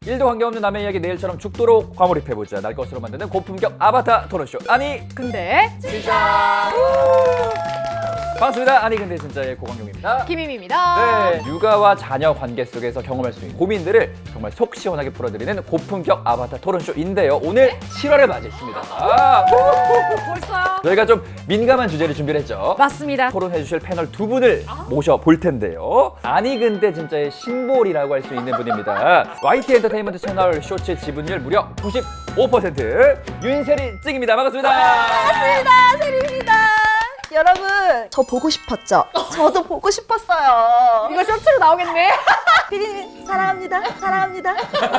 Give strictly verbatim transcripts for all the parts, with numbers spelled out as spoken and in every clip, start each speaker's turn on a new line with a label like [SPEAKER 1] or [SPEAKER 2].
[SPEAKER 1] 일도 관계없는 남의 이야기 내일처럼 죽도록 과몰입해보자. 날 것으로 만드는 고품격 아바타 토론쇼. 아니
[SPEAKER 2] 근데
[SPEAKER 1] 진짜. 반갑습니다. 아니 근데 진짜의 고광용입니다.
[SPEAKER 2] 김임입니다.
[SPEAKER 1] 네, 육아와 자녀 관계 속에서 경험할 수 있는 고민들을 정말 속 시원하게 풀어드리는 고품격 아바타 토론쇼인데요. 오늘 칠월을 맞이했습니다. 아,
[SPEAKER 2] 벌써요?
[SPEAKER 1] 저희가 좀 민감한 주제를 준비를 했죠.
[SPEAKER 2] 맞습니다.
[SPEAKER 1] 토론해주실 패널 두 분을 모셔볼 텐데요. 아니 근데 진짜의 심볼이라고 할 수 있는 분입니다. 와이티 엔터테인먼트 채널 쇼츠 지분율 무려 구십오 퍼센트 윤세리 찡입니다. 반갑습니다.
[SPEAKER 3] 반갑습니다. 세리입니다. 여러분, 저 보고 싶었죠? 저도 보고 싶었어요.
[SPEAKER 2] 이거 쇼츠로 나오겠네.
[SPEAKER 3] 피디님 사랑합니다. 사랑합니다.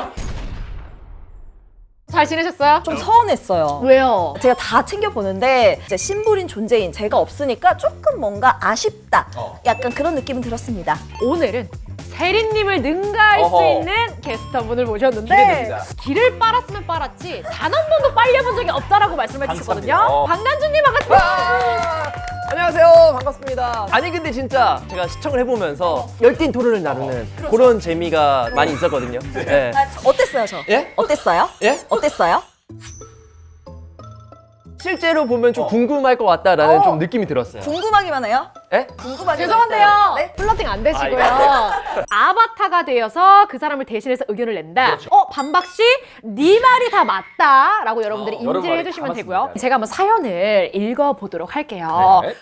[SPEAKER 2] 잘 지내셨어요?
[SPEAKER 3] 좀 서운했어요.
[SPEAKER 2] 왜요?
[SPEAKER 3] 제가 다 챙겨보는데 이제 심볼인 존재인 제가 없으니까 조금 뭔가 아쉽다.
[SPEAKER 1] 어.
[SPEAKER 3] 약간 그런 느낌은 들었습니다.
[SPEAKER 2] 오늘은 세린님을 능가할
[SPEAKER 1] 어허.
[SPEAKER 2] 수 있는 게스트분을 모셨는데
[SPEAKER 1] 기대됩니다.
[SPEAKER 2] 길을 빨았으면 빨았지 단 한 번도 빨려본 적이 없다라고 말씀해 주셨거든요.
[SPEAKER 1] 감사합니다.
[SPEAKER 2] 박난주님 반갑습니다.
[SPEAKER 4] 아, 안녕하세요. 반갑습니다. 아니 근데 진짜 제가 시청을 해보면서 열띤 토론을 나누는 그런 재미가 많이 있었거든요. 예.
[SPEAKER 3] 아, 어땠어요, 저?
[SPEAKER 4] 예?
[SPEAKER 3] 어땠어요?
[SPEAKER 4] 예?
[SPEAKER 3] 어땠어요?
[SPEAKER 4] 실제로 보면 좀 궁금할 것 같다라는
[SPEAKER 3] 어.
[SPEAKER 4] 좀 느낌이 들었어요.
[SPEAKER 3] 궁금하기만 해요?
[SPEAKER 4] 예?
[SPEAKER 3] 궁금하기만
[SPEAKER 2] 죄송한데요.
[SPEAKER 3] 했어요. 네?
[SPEAKER 2] 플러팅 안 되시고요.
[SPEAKER 4] 아,
[SPEAKER 2] 아바타가 되어서 그 사람을 대신해서 의견을 낸다.
[SPEAKER 1] 그렇죠.
[SPEAKER 2] 어, 반박 씨, 네 말이 다 맞다라고 여러분들이
[SPEAKER 1] 어, 여러분
[SPEAKER 2] 인지를
[SPEAKER 1] 말이
[SPEAKER 2] 해주시면
[SPEAKER 1] 다
[SPEAKER 2] 되고요.
[SPEAKER 1] 맞습니다.
[SPEAKER 2] 제가 한번 사연을 읽어보도록 할게요.
[SPEAKER 1] 네.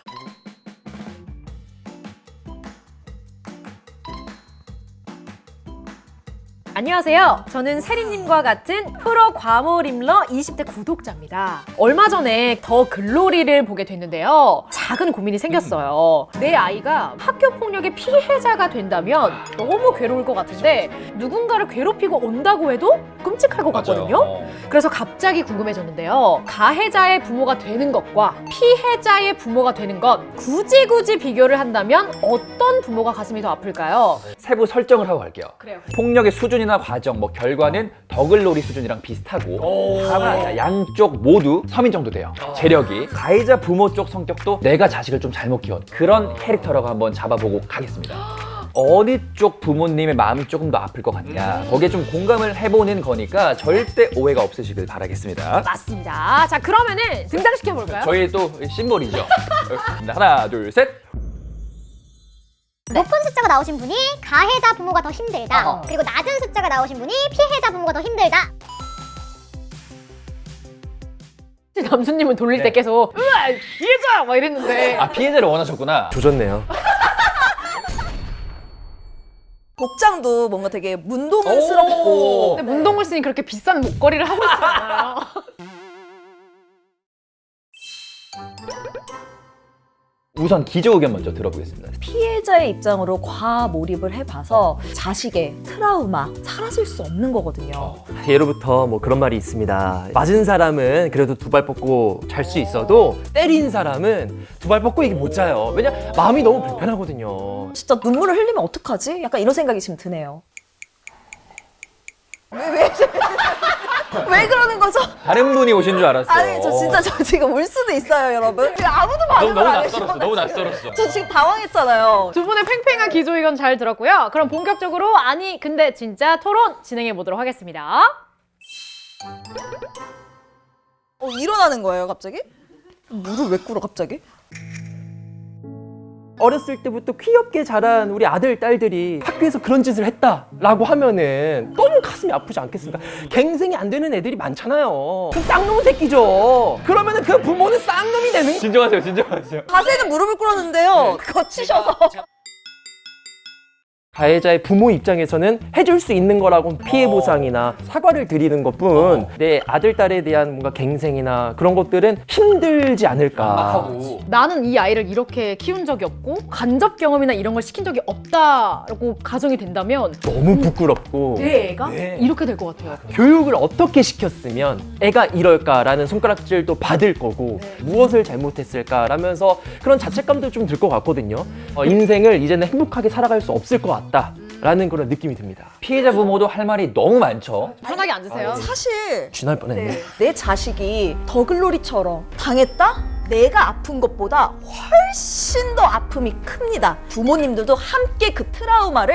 [SPEAKER 2] 안녕하세요. 저는 세리님과 같은 프로 과몰입러 이십 대 구독자입니다. 얼마 전에 더 글로리를 보게 됐는데요. 작은 고민이 생겼어요. 내 아이가 학교 폭력의 피해자가 된다면 너무 괴로울 것 같은데 누군가를 괴롭히고 온다고 해도 끔찍할 것 같거든요.
[SPEAKER 1] 맞아요.
[SPEAKER 2] 그래서 갑자기 궁금해졌는데요. 가해자의 부모가 되는 것과 피해자의 부모가 되는 것 굳이 굳이 비교를 한다면 어떤 부모가 가슴이 더 아플까요?
[SPEAKER 1] 세부 설정을 하고 갈게요.
[SPEAKER 2] 그래요.
[SPEAKER 1] 폭력의 수준이나 과정, 뭐 결과는 더글로리 수준이랑 비슷하고 다만 양쪽 모두 서민 정도 돼요. 재력이. 가해자 부모 쪽 성격도 내가 자식을 좀 잘못 키웠 그런 캐릭터라고 한번 잡아보고 가겠습니다. 어느 쪽 부모님의 마음이 조금 더 아플 것 같냐, 거기에 좀 공감을 해보는 거니까 절대 오해가 없으시길 바라겠습니다.
[SPEAKER 2] 맞습니다. 자, 그러면은 등장시켜볼까요?
[SPEAKER 1] 저희 또 심볼이죠. 하나 둘 셋.
[SPEAKER 5] 높은 숫자가 나오신 분이 가해자 부모가 더 힘들다.
[SPEAKER 1] 어허.
[SPEAKER 5] 그리고 낮은 숫자가 나오신 분이 피해자 부모가 더 힘들다.
[SPEAKER 2] 남수님은 돌릴
[SPEAKER 1] 네.
[SPEAKER 2] 때 계속 으아 피해자 막 이랬는데
[SPEAKER 1] 아, 피해자를 원하셨구나.
[SPEAKER 4] 조졌네요.
[SPEAKER 3] 복장도 뭔가 되게 문동은스럽고
[SPEAKER 2] 근데 문동글 씨는 그렇게 비싼 목걸이를 하고 있잖아요.
[SPEAKER 1] 우선 기조 의견 먼저 들어보겠습니다.
[SPEAKER 3] 피해자의 입장으로 과몰입을 해봐서 자식의 트라우마 사라질 수 없는 거거든요.
[SPEAKER 4] 예로부터 뭐 그런 말이 있습니다. 맞은 사람은 그래도 두 발 뻗고 잘 수 있어도 때린 사람은 두 발 뻗고 이게 못 자요. 왜냐? 마음이 너무 불편하거든요.
[SPEAKER 3] 진짜 눈물을 흘리면 어떡하지? 약간 이런 생각이 지금 드네요. 왜, 왜, 왜 그러는 거죠?
[SPEAKER 1] 다른 분이 오신 줄 알았어요.
[SPEAKER 3] 아니, 저 진짜 저 지금 울 수도 있어요, 여러분. 지금 아무도
[SPEAKER 1] 너무,
[SPEAKER 3] 반응을
[SPEAKER 1] 너무
[SPEAKER 3] 안
[SPEAKER 1] 낯설었어.
[SPEAKER 3] 해주셔.
[SPEAKER 1] 너무 낯설었어.
[SPEAKER 3] 저 지금 당황했잖아요.
[SPEAKER 2] 두 분의 팽팽한 기조 의견 잘 들었고요. 그럼 본격적으로 아니 근데 진짜 토론 진행해 보도록 하겠습니다.
[SPEAKER 3] 어, 일어나는 거예요, 갑자기? 물을 왜 꿇어, 갑자기?
[SPEAKER 4] 어렸을 때부터 귀엽게 자란 우리 아들, 딸들이 학교에서 그런 짓을 했다라고 하면은 너무 가슴이 아프지 않겠습니까? 갱생이 안 되는 애들이 많잖아요. 그 쌍놈 새끼죠. 그러면은 그 부모는 쌍놈이 되는 거예요.
[SPEAKER 1] 진정하세요. 진정하세요.
[SPEAKER 3] 자세는 무릎을 꿇었는데요. 거치셔서.
[SPEAKER 4] 가해자의 부모 입장에서는 해줄 수 있는 거라고 피해 보상이나 사과를 드리는 것뿐 내 아들, 딸에 대한 뭔가 갱생이나 그런 것들은 힘들지 않을까.
[SPEAKER 1] 하고.
[SPEAKER 2] 나는 이 아이를 이렇게 키운 적이 없고 간접 경험이나 이런 걸 시킨 적이 없다라고 가정이 된다면
[SPEAKER 4] 너무 부끄럽고
[SPEAKER 2] 내 애가
[SPEAKER 4] 네.
[SPEAKER 2] 이렇게 될 것 같아요.
[SPEAKER 4] 교육을 어떻게 시켰으면 애가 이럴까라는 손가락질도 받을 거고 무엇을 잘못했을까라면서 그런 자책감도 좀 들 것 같거든요. 어, 인생을 이제는 행복하게 살아갈 수 없을 것 같다라는 그런 느낌이 듭니다.
[SPEAKER 1] 피해자 부모도 할 말이 너무 많죠.
[SPEAKER 2] 편하게 앉으세요.
[SPEAKER 3] 사실
[SPEAKER 4] 쥐날 뻔했네.
[SPEAKER 3] 네, 내 자식이 더글로리처럼 당했다? 내가 아픈 것보다 훨씬 더 아픔이 큽니다. 부모님들도 함께 그 트라우마를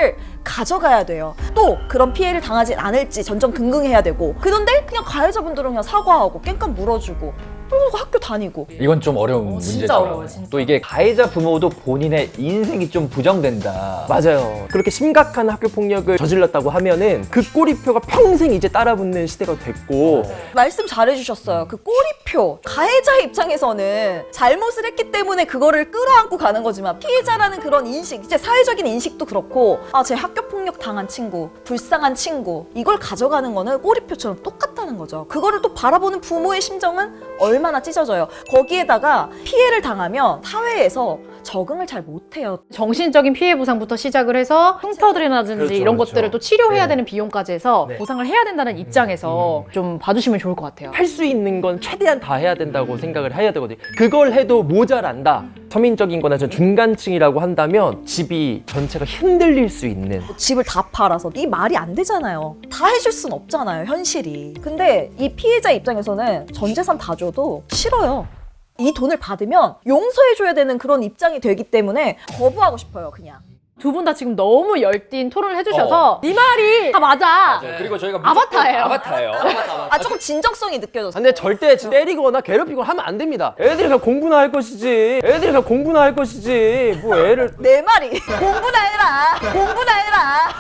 [SPEAKER 3] 가져가야 돼요. 또 그런 피해를 당하지 않을지 전전긍긍해야 되고. 그런데 그냥 가해자분들은 그냥 사과하고 깽판 물어주고 그리고 학교 다니고.
[SPEAKER 1] 이건 좀 어려운 문제죠.
[SPEAKER 2] 진짜 어려워요, 진짜.
[SPEAKER 1] 또 이게 가해자 부모도 본인의 인생이 좀 부정된다.
[SPEAKER 4] 맞아요. 그렇게 심각한 학교 폭력을 저질렀다고 하면은 그 꼬리표가 평생 이제 따라붙는 시대가 됐고
[SPEAKER 3] 말씀 잘해주셨어요. 그 꼬리표. 가해자의 입장에서는 잘못을 했기 때문에 그거를 끌어안고 가는 거지만 피해자라는 그런 인식, 이제 사회적인 인식도 그렇고 아, 제 학교 폭력 당한 친구, 불쌍한 친구 이걸 가져가는 거는 꼬리표처럼 똑같다는 거죠. 그거를 또 바라보는 부모의 심정은 얼마나 찢어져요. 거기에다가 피해를 당하면 사회에서 적응을 잘 못해요.
[SPEAKER 2] 정신적인 피해 보상부터 시작을 해서 흉터들이라든지
[SPEAKER 4] 그렇죠,
[SPEAKER 2] 이런
[SPEAKER 4] 그렇죠.
[SPEAKER 2] 것들을 또 치료해야
[SPEAKER 4] 네.
[SPEAKER 2] 되는 비용까지 해서
[SPEAKER 4] 네.
[SPEAKER 2] 보상을 해야 된다는 입장에서 좀 봐주시면 좋을 것 같아요.
[SPEAKER 4] 할 수 있는 건 최대한 다 해야 된다고 생각을 해야 되거든요. 그걸 해도 모자란다. 서민적인 거나 저 중간층이라고 한다면 집이 전체가 흔들릴 수 있는
[SPEAKER 3] 집을 다 팔아서 이 말이 안 되잖아요. 다 해줄 순 없잖아요, 현실이. 근데 이 피해자 입장에서는 전 재산 다 줘도 싫어요. 이 돈을 받으면 용서해줘야 되는 그런 입장이 되기 때문에 거부하고 싶어요, 그냥.
[SPEAKER 2] 두 분 다 지금 너무 열띤 토론을 해주셔서 네 말이 다 맞아.
[SPEAKER 1] 그리고 저희가
[SPEAKER 2] 아바타예요.
[SPEAKER 1] 아바타예요.
[SPEAKER 3] 아, 조금 진정성이 느껴졌어요.
[SPEAKER 4] 근데 절대 때리거나 괴롭히거나 하면 안 됩니다. 애들이 그냥 공부나 할 것이지. 애들이 그냥 공부나 할 것이지. 뭐 애를
[SPEAKER 3] 내 말이 공부나 해라, 공부나 해라.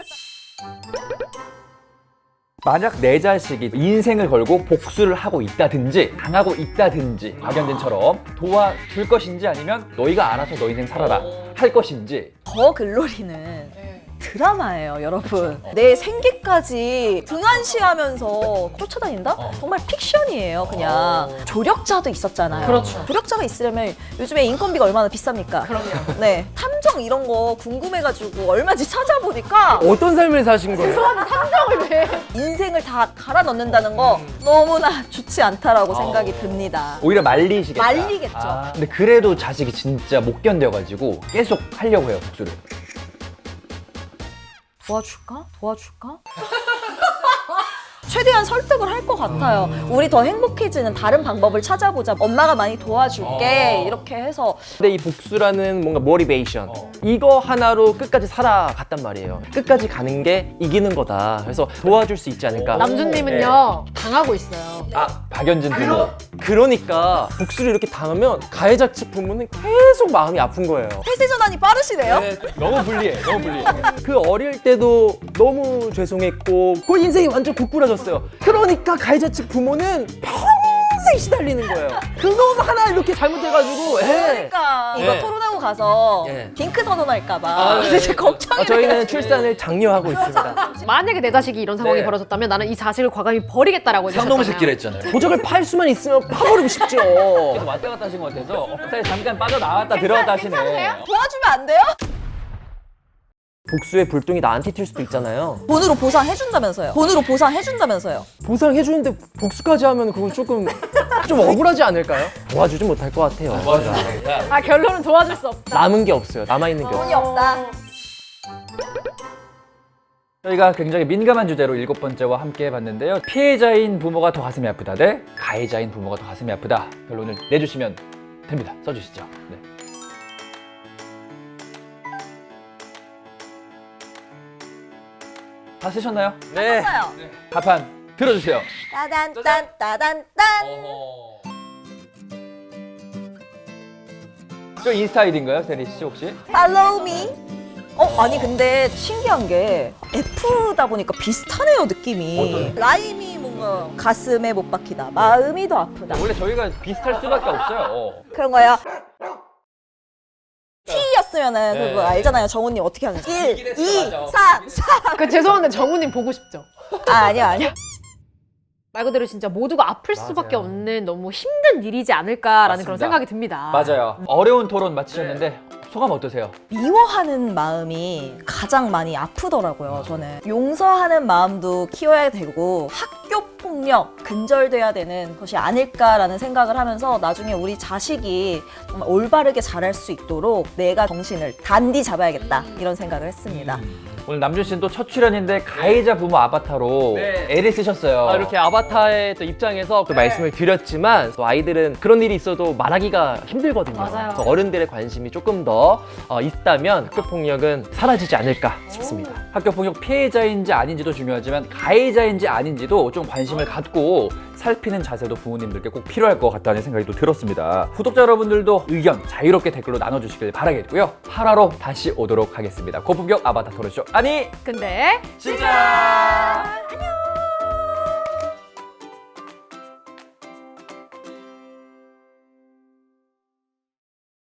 [SPEAKER 1] 만약 내 자식이 인생을 걸고 복수를 하고 있다든지 당하고 있다든지 박연진처럼 도와줄 것인지 아니면 너희가 알아서 너 인생 살아라 할 것인지.
[SPEAKER 3] 더 글로리는 드라마예요, 여러분. 내 생계까지 등한시하면서 쫓아다닌다? 정말 픽션이에요, 그냥. 조력자도 있었잖아요.
[SPEAKER 2] 그렇죠.
[SPEAKER 3] 조력자가 있으려면 요즘에 인건비가 얼마나 비쌉니까?
[SPEAKER 2] 그럼요.
[SPEAKER 3] 네. 탐정 이런 거 궁금해가지고 얼마인지 찾아보니까
[SPEAKER 4] 어떤 삶을 사신 거예요?
[SPEAKER 2] 탐정을 왜?
[SPEAKER 3] 인생을 다 갈아 넣는다는 거 너무나 좋지 않다라고 생각이 듭니다.
[SPEAKER 1] 오히려 말리시겠다.
[SPEAKER 3] 말리겠죠.
[SPEAKER 1] 아, 근데 그래도 자식이 진짜 못 견뎌가지고 계속 하려고 해요, 복수를.
[SPEAKER 3] 도와줄까? 도와줄까? 최대한 설득을 할 것 같아요. 우리 더 행복해지는 다른 방법을 찾아보자. 엄마가 많이 도와줄게. 이렇게 해서
[SPEAKER 4] 근데 이 복수라는 뭔가 모티베이션 이거 하나로 끝까지 살아갔단 말이에요. 끝까지 가는 게 이기는 거다. 그래서 도와줄 수 있지 않을까.
[SPEAKER 2] 남준님은요 당하고 있어요.
[SPEAKER 1] 아, 박연진 부모.
[SPEAKER 4] 그러니까 복수를 이렇게 당하면 가해자 측 부모는 계속 마음이 아픈 거예요.
[SPEAKER 3] 태세 전환이 빠르시네요.
[SPEAKER 1] 너무 불리해, 너무 불리해.
[SPEAKER 4] 그 어릴 때도 너무 죄송했고 그 인생이 완전 고꾸라졌어요. 그러니까 가해자 측 부모는 평생 시달리는 거예요. 그거 하나 이렇게 잘못해가지고 예.
[SPEAKER 3] 그러니까 이거
[SPEAKER 4] 예.
[SPEAKER 3] 토론하고 가서
[SPEAKER 4] 예.
[SPEAKER 3] 딩크 선언할까봐
[SPEAKER 4] 아, 네.
[SPEAKER 3] 이제 걱정이
[SPEAKER 4] 아, 저희는
[SPEAKER 3] 돼가지고.
[SPEAKER 4] 출산을 장려하고 있습니다.
[SPEAKER 2] 만약에 내 자식이 이런 상황이
[SPEAKER 1] 네.
[SPEAKER 2] 벌어졌다면 나는 이 자식을 과감히 버리겠다라고
[SPEAKER 1] 상놈새끼를
[SPEAKER 2] 얘기했잖아요.
[SPEAKER 1] 했잖아요.
[SPEAKER 4] 도적을 팔 수만 있으면 파버리고 싶죠.
[SPEAKER 1] 계속 왔다 갔다 하신 것 같아서 사실 잠깐 빠져나왔다 들어갔다 하시네.
[SPEAKER 3] 도와주면 안 돼요?
[SPEAKER 4] 복수의 불똥이 나한테 튈 수도 있잖아요.
[SPEAKER 3] 돈으로 보상해준다면서요. 돈으로 보상해준다면서요.
[SPEAKER 4] 보상해주는데 복수까지 하면 그건 조금 좀 억울하지 않을까요? 도와주지 못할 것 같아요.
[SPEAKER 2] 아 결론은 도와줄 수 없다.
[SPEAKER 4] 남은 게 없어요. 남아있는 게
[SPEAKER 3] 돈이
[SPEAKER 4] 없어요.
[SPEAKER 3] 없다.
[SPEAKER 1] 저희가 굉장히 민감한 주제로 일곱 번째와 함께 해봤는데요. 피해자인 부모가 더 가슴이 아프다 대 가해자인 부모가 더 가슴이 아프다. 결론을 내주시면 됩니다. 써주시죠. 네. 다 쓰셨나요?
[SPEAKER 4] 네.
[SPEAKER 3] 했어요.
[SPEAKER 1] 답판 들어주세요.
[SPEAKER 3] 따단딴 따단딴.
[SPEAKER 1] 저 인스타 아이디인가요, 세리 씨 혹시?
[SPEAKER 3] Follow me. 어, 아니 근데 신기한 게 F다 보니까 비슷하네요, 느낌이. 라임이 뭔가 가슴에 못 박히다. 마음이 더 아프다.
[SPEAKER 1] 원래 저희가 비슷할 수밖에 없어요.
[SPEAKER 3] 그런 거야. T였으면은
[SPEAKER 1] 네.
[SPEAKER 3] 그거 알잖아요. 정훈님 어떻게 하는지. 일, 이, 삼, 사.
[SPEAKER 2] 그 죄송한데 정우님 보고 싶죠?
[SPEAKER 3] 아, 아니요, 아니요.
[SPEAKER 2] 말 그대로 진짜 모두가 아플 수밖에 없는 너무 힘든 일이지 않을까라는 그런
[SPEAKER 1] 맞습니다.
[SPEAKER 2] 생각이 듭니다.
[SPEAKER 1] 맞아요. 어려운 토론 마치셨는데 소감 어떠세요?
[SPEAKER 3] 미워하는 마음이 가장 많이 아프더라고요, 저는. 용서하는 마음도 키워야 되고 학교 폭력 근절돼야 되는 것이 아닐까라는 생각을 하면서 나중에 우리 자식이 정말 올바르게 자랄 수 있도록 내가 정신을 단디 잡아야겠다 이런 생각을 했습니다.
[SPEAKER 1] 오늘 남준 씨는 또 첫 출연인데 가해자 부모 아바타로
[SPEAKER 4] 네.
[SPEAKER 1] 애를 쓰셨어요.
[SPEAKER 4] 아, 이렇게 아바타의 또 입장에서 또 말씀을 드렸지만 또 아이들은 그런 일이 있어도 말하기가 힘들거든요.
[SPEAKER 2] 맞아요.
[SPEAKER 4] 그래서 어른들의 관심이 조금 더 어, 있다면 학교 폭력은 사라지지 않을까 싶습니다.
[SPEAKER 1] 학교 폭력 피해자인지 아닌지도 중요하지만 가해자인지 아닌지도 좀 관심을 갖고 살피는 자세도 부모님들께 꼭 필요할 것 같다는 생각이 또 들었습니다. 구독자 여러분들도 의견 자유롭게 댓글로 나눠주시길 바라겠고요. 팔 화로 다시 오도록 하겠습니다. 고품격 아바타 토론쇼 아니
[SPEAKER 2] 근데
[SPEAKER 1] 진짜! 안녕!